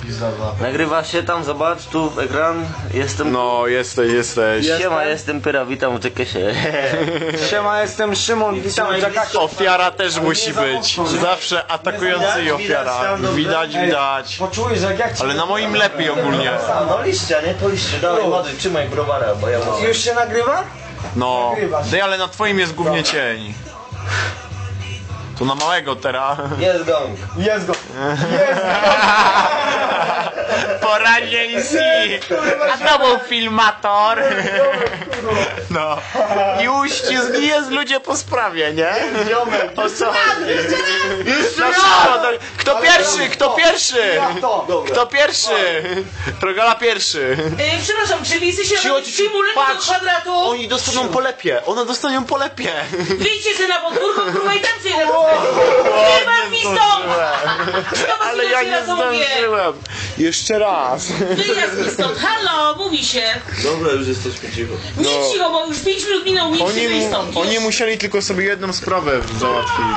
pizdowa. Nagrywa się tam, zobacz, tu ekran. Jestem... No, jesteś. Siema, jestem Pyra, witam, czekaj się. Siema, jestem Szymon, witam w Jackasie. Ofiara też musi być. Zawsze atakujący i ofiara. Widać. Poczujesz, jak ja cię... Ale na moim lepiej ogólnie. No liścia, nie? Po liście, dawaj, ładuj, trzymaj browara, bo ja mam... Już się nagrywa? No. Dej, ale na twoim jest głównie cień. To na małego teraz. Jest gong. Jest go. Poranieński! A to był filmator! No. I uścisk jest ludzie po sprawie, nie? O co chodzi? No szybko, kto pierwszy? Kto pierwszy? Kto pierwszy? Rogala pierwszy. Przepraszam, czy wy jesteście stymulem do Patrz, kwadratu? oni dostaną polepie. One dostaną polepie. Wyjdźcie sobie na podwórko, kurwa, i tam sobie na Wyjebam mi stąd! Ale ja nie zdążyłem. Jeszcze raz. Wyjazd mi stąd, halo, mówi się. Dobra, już jesteśmy cicho. Nie cicho, bo już 5 minut minął, nie przyjdę stąd. Oni musieli tylko sobie jedną sprawę załatwić.